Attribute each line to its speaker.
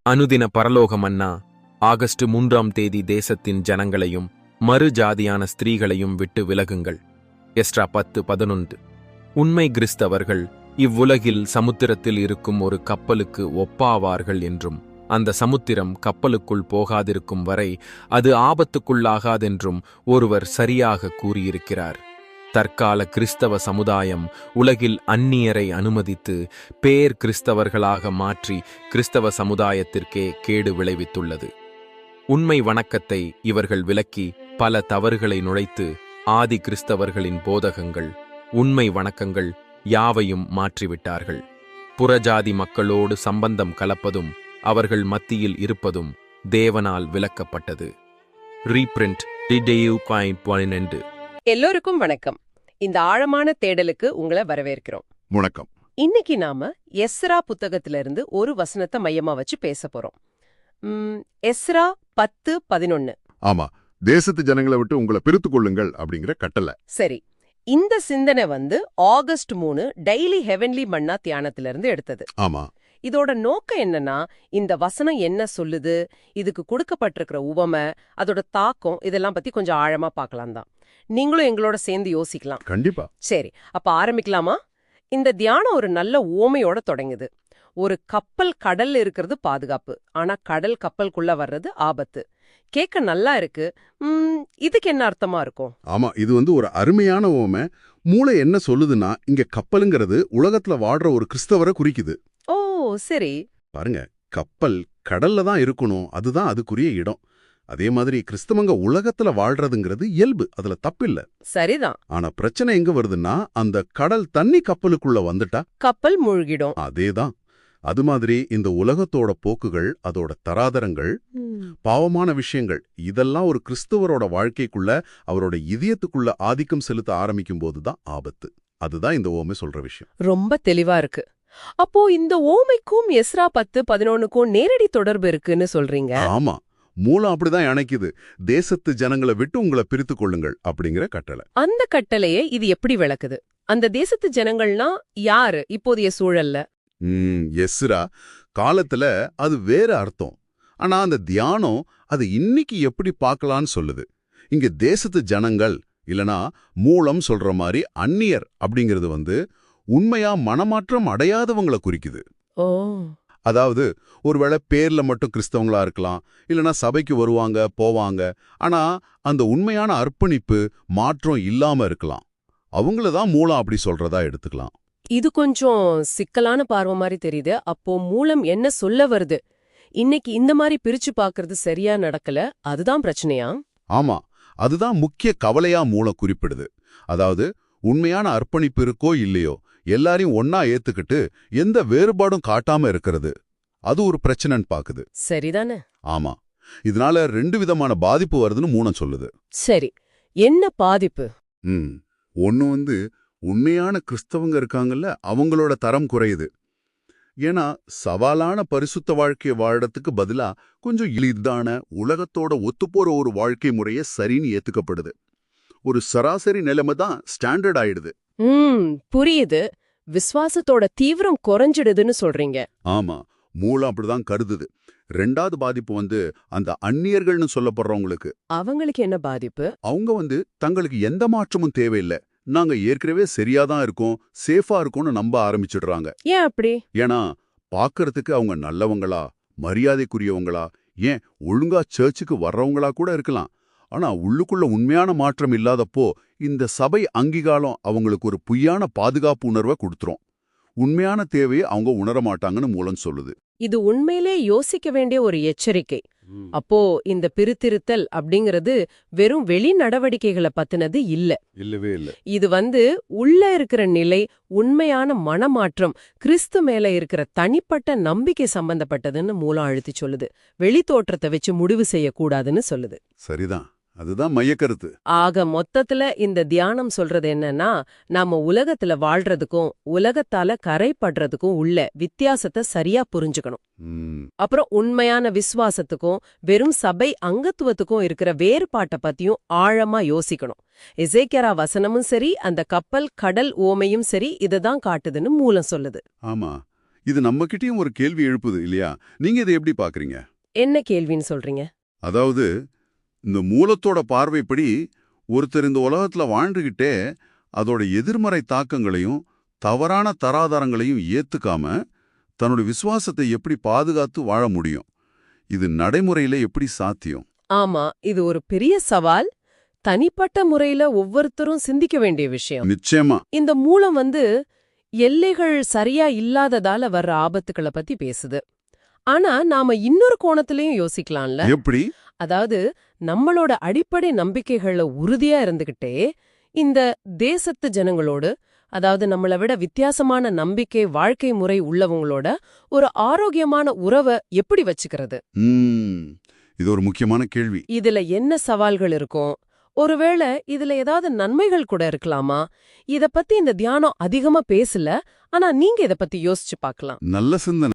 Speaker 1: அனுதின பரலோக மன்னா ஆகஸ்ட் 3ஆம் தேதி தேசத்தின் ஜனங்களையும் மறு ஜாதியான ஸ்திரீகளையும் விட்டு விலகுங்கள். எஸ்ட்ரா 10:11. உண்மை கிறிஸ்தவர்கள் இவ்வுலகில் சமுத்திரத்தில் இருக்கும் ஒரு கப்பலுக்கு ஒப்பாவார்கள் என்றும் அந்த சமுத்திரம் கப்பலுக்குள் போகாதிருக்கும் வரை அது ஆபத்துக்குள்ளாகாதென்றும் ஒருவர் சரியாக கூறியிருக்கிறார். தற்கால கிறிஸ்தவ சமுதாயம் உலகில் அந்நியரை அனுமதித்து பேர் கிறிஸ்தவர்களாக மாற்றி கிறிஸ்தவ சமுதாயத்திற்கே கேடு விளைவித்துள்ளது. உண்மை வணக்கத்தை இவர்கள் விலக்கி பல தவறுகளை நுழைத்து ஆதி கிறிஸ்தவர்களின் போதகங்கள், உண்மை வணக்கங்கள் யாவையும் மாற்றிவிட்டார்கள். புறஜாதி மக்களோடு சம்பந்தம் கலப்பதும் அவர்கள் மத்தியில் இருப்பதும் தேவனால் விலக்கப்பட்டது. Reprint DDU.12.
Speaker 2: எல்லோருக்கும் வணக்கம். இந்த ஆழமான தேடலுக்கு உங்களை வரவேற்கிறோம்.
Speaker 3: வணக்கம்.
Speaker 2: இன்னைக்கு நாம எஸ்ரா புத்தகத்திலிருந்து ஒரு வசனத்தை மையமா வச்சு பேச போறோம். எஸ்ரா 10:11.
Speaker 3: ஆமா, தேசத்து ஜனங்களை விட்டு உங்களை பிரித்துக் கொள்ளுங்கள் அப்படிங்கிற கட்டளை.
Speaker 2: சரி, இந்த சிந்தனை ஆகஸ்ட் 3 டெய்லி ஹெவன்லி மன்னா தியானத்திலிருந்து எடுத்தது.
Speaker 3: ஆமா,
Speaker 2: இதோட நோக்கம் என்னன்னா, இந்த வசனம் என்ன சொல்லுது, இதுக்கு கொடுக்கப்பட்டிருக்கிற உவமை, அதோட தாக்கம், இதெல்லாம் பத்தி கொஞ்சம் ஆழமா பார்க்கலாம் தான். நீங்களும் எங்களோட சேர்ந்து யோசிக்கலாம்.
Speaker 3: கண்டிப்பா.
Speaker 2: சரி, அப்ப ஆரம்பிக்கலாமா? இந்த தியானம் ஒரு நல்ல ஓமையோட தொடங்குது. ஒரு கப்பல் கடல்ல இருக்கிறது பாதுகாப்பு, ஆனா கடல் கப்பலுக்குள்ள வர்றது ஆபத்து. கேட்க நல்லா இருக்கு. இதுக்கு என்ன அர்த்தமா இருக்கும்?
Speaker 3: ஆமா, இது ஒரு அருமையான ஓமை. மூளை என்ன சொல்லுதுன்னா, இங்க கப்பலுங்கிறது உலகத்துல வாடுற ஒரு கிறிஸ்தவரை குறிக்குது.
Speaker 2: ஓ சரி.
Speaker 3: பாருங்க, கப்பல் கடல்ல தான் இருக்கணும், அதுதான் அதுக்குரிய இடம். அதே மாதிரி கிறிஸ்தவங்க உலகத்துல வாழ்றதுங்கிறது இயல்பு, அதுல தப்பில்ல.
Speaker 2: சரிதான்.
Speaker 3: ஆனா பிரச்சனை எங்க வருதுன்னா, அந்த கடல் தண்ணி கப்பலுக்குள்ள வந்துட்டா
Speaker 2: கப்பல் மூழ்கிடும்.
Speaker 3: அதேதான். அது மாதிரி இந்த உலகத்தோட போக்குகள், அதோட தராதரங்கள், பாவமான விஷயங்கள், இதெல்லாம் ஒரு கிறிஸ்தவரோட வாழ்க்கைக்குள்ள, அவரோட இதயத்துக்குள்ள ஆதிக்கம் செலுத்த ஆரம்பிக்கும் போதுதான் ஆபத்து. அதுதான் இந்த ஓமை சொல்ற விஷயம்.
Speaker 2: ரொம்ப தெளிவா இருக்கு. அப்போ இந்த ஓமைக்கும் எஸ்ரா 10:11க்கும் நேரடி தொடர்பு இருக்குன்னு சொல்றீங்க?
Speaker 3: ஆமா, மூலம் அப்படிதான் இணைக்குது. தேசத்து ஜனங்களை விட்டு உங்களை பிரித்துக் கொள்ளுங்கள் அப்படிங்கிற கட்டளை.
Speaker 2: அந்த கட்டளையை இது எப்படி விளக்குது? அந்த தேசத்து ஜனங்கள்னா யாரு இப்போதைய சூழல்ல?
Speaker 3: எஸ்ரா காலத்துல அது வேற அர்த்தம். ஆனா அந்த தியானம் அது இன்னைக்கு எப்படி பார்க்கலான்னு சொல்லுது. இங்க தேசத்து ஜனங்கள் இல்லனா மூலம் சொல்ற மாதிரி அந்நியர் அப்படிங்கிறது உண்மையா மனமாற்றம் அடையாதவங்களை குறிக்குது.
Speaker 2: ஓ,
Speaker 3: அதாவது ஒருவேளை பேர்ல மட்டும் கிறிஸ்தவங்களா இருக்கலாம், இல்லனா சபைக்கு வருவாங்க போவாங்க, ஆனா அந்த உண்மையான அர்ப்பணிப்பு மாற்றம் இல்லாம இருக்கலாம். அவங்களதான் மூலம் அப்படி சொல்றதா எடுத்துக்கலாம்.
Speaker 2: இது கொஞ்சம் சிக்கலான பார்வை மாதிரி தெரியுது. அப்போ மூலம் என்ன சொல்ல வருது? இன்னைக்கு இந்த மாதிரி பிரிச்சு பாக்குறது சரியா நடக்கல, அதுதான் பிரச்சனையா?
Speaker 3: ஆமா, அதுதான் முக்கிய கவலையா மூலம் குறிப்பிடுது. அதாவது உண்மையான அர்ப்பணிப்பு இருக்கோ இல்லையோ, எல்லாரையும் ஒன்னா ஏத்துக்கிட்டு எந்த வேறுபாடும் காட்டாம இருக்கிறது, அது ஒரு பிரச்சனைன்னு பாக்குது.
Speaker 2: சரிதானே?
Speaker 3: ஆமா, இதனால 2 விதமான பாதிப்பு வருதுன்னு மூலம் சொல்லுது.
Speaker 2: சரி, என்ன பாதிப்பு?
Speaker 3: ஒன்னு உண்மையான கிறிஸ்தவங்க இருக்காங்கல்ல, அவங்களோட தரம் குறையுது. ஏன்னா சவாலான பரிசுத்த வாழ்க்கையை வாழறதுக்கு பதிலா கொஞ்சம் எளிதான உலகத்தோட ஒத்துப்போற ஒரு வாழ்க்கை முறைய சரின்னு ஏத்துக்கப்படுது. ஒரு சராசரி நிலைமை தான் ஸ்டாண்டர்ட் ஆயிடுது.
Speaker 2: புரியுது. விசுவாசத்தோட தீவிரம் குறைஞ்சிடுதுன்னு சொல்றீங்க.
Speaker 3: ஆமா, மூலம் அப்படிதான் கருதுது. 2வது பாதிப்பு அந்த அந்நியர்கள்னு சொல்லப்படுறவங்களுக்கு.
Speaker 2: அவங்களுக்கு என்ன பாதிப்பு?
Speaker 3: அவங்க தங்களுக்கு எந்த மாற்றமும் தேவையில்லை, நாங்க ஏற்கனவே சரியாதான் இருக்கோம், சேஃபா இருக்கோம்னு நம்ப ஆரம்பிச்சிடுறாங்க.
Speaker 2: ஏன் அப்படி?
Speaker 3: ஏன்னா பாக்குறதுக்கு அவங்க நல்லவங்களா, மரியாதைக்குரியவங்களா, ஏன் ஒழுங்கா சர்ச்சுக்கு வர்றவங்களா கூட இருக்கலாம். ஆனா உள்ளுக்குள்ள உண்மையான மாற்றம் இல்லாதப்போ இந்த சபை அங்கீகாரம் அவங்களுக்கு ஒரு பொய்யான பாதுகாப்பு உணர்வை கொடுத்துரும். உண்மையான தேவையை அவங்க உணர மாட்டாங்கன்னு மூலம் சொல்லுது.
Speaker 2: இது உண்மையிலே யோசிக்க வேண்டிய ஒரு எச்சரிக்கை. அப்போ இந்த பிரித்திருத்தல் அப்படிங்கிறது வெறும் வெளி நடவடிக்கைகளை பத்தினது இல்ல.
Speaker 3: இல்லவே இல்ல.
Speaker 2: இது உள்ள இருக்கிற நிலை, உண்மையான மனமாற்றம், கிறிஸ்து மேல இருக்கிற தனிப்பட்ட நம்பிக்கை சம்பந்தப்பட்டதுன்னு மூலம் அழுத்தி சொல்லுது. வெளி தோற்றத்தை வச்சு முடிவு செய்யக்கூடாதுன்னு சொல்லுது.
Speaker 3: சரிதான், அதுதான் மையக்கருத்து.
Speaker 2: ஆக மொத்தத்துல இந்த தியானம் சொல்றது என்னன்னா, நாம உலகத்துல வாழ்றதுக்கும் உலகத்தால கரைப்படுறதுக்கும் உள்ள வித்தியாசத்தை சரியா புரிஞ்சுக்கணும். அப்புறம் உண்மையான விசுவாசத்துக்கும் வெறும் சபை அங்கத்துவத்துக்கும் இருக்கிற வேறுபாட்டை பத்தியும் ஆழமா யோசிக்கணும். எசேக்கியா வசனமும் சரி, அந்த கப்பல் கடல் ஓமையும் சரி, இததான் காட்டுதுன்னு மூலம் சொல்லுது.
Speaker 3: ஆமா, இது நம்மகிட்டயும் ஒரு கேள்வி எழுப்புது இல்லையா? நீங்க இதை எப்படி பாக்குறீங்க?
Speaker 2: என்ன கேள்வின்னு சொல்றீங்க?
Speaker 3: அதாவது இந்த மூலத்தோட பார்வைப்படி ஒருத்தர் இந்த உலகத்துல வாழ்ந்துகிட்டே அதோட எதிர்மறை தாக்கங்களையும் தவறான தராதரங்களையும் ஏத்துக்காம தன்னோட விசுவாசத்தை எப்படி பாதுகாத்து வாழ முடியும்? இது நடைமுறையில எப்படி சாத்தியம்?
Speaker 2: ஆமா, இது ஒரு பெரிய சவால். தனிப்பட்ட முறையில ஒவ்வொருத்தரும் சிந்திக்க வேண்டிய விஷயம்.
Speaker 3: நிச்சயமா.
Speaker 2: இந்த மூலம் எல்லைகள் சரியா இல்லாததால வர்ற ஆபத்துக்களை பத்தி பேசுது. ஆனா நாம இன்னொரு கோணத்திலயும் யோசிக்கலாம்ல.
Speaker 3: எப்படி?
Speaker 2: அதாவது நம்மளோட அடிப்படை நம்பிக்கைகள்ல உறுதியா இருந்துகிட்டே இந்த தேசத்து ஜனங்களோடு, அதாவது நம்மளை விட வித்தியாசமான நம்பிக்கை வாழ்க்கை முறை உள்ளவங்களோட ஒரு ஆரோக்கியமான உறவை எப்படி வச்சுக்கிறது?
Speaker 3: இது ஒரு முக்கியமான கேள்வி.
Speaker 2: இதுல என்ன சவால்கள் இருக்கும்? ஒருவேளை இதுல ஏதாவது நன்மைகள் கூட இருக்கலாமா? இத பத்தி இந்த தியானம் அதிகமா பேசல, ஆனா நீங்க இத பத்தி யோசிச்சு பார்க்கலாம்.
Speaker 3: நல்ல சிந்தனை.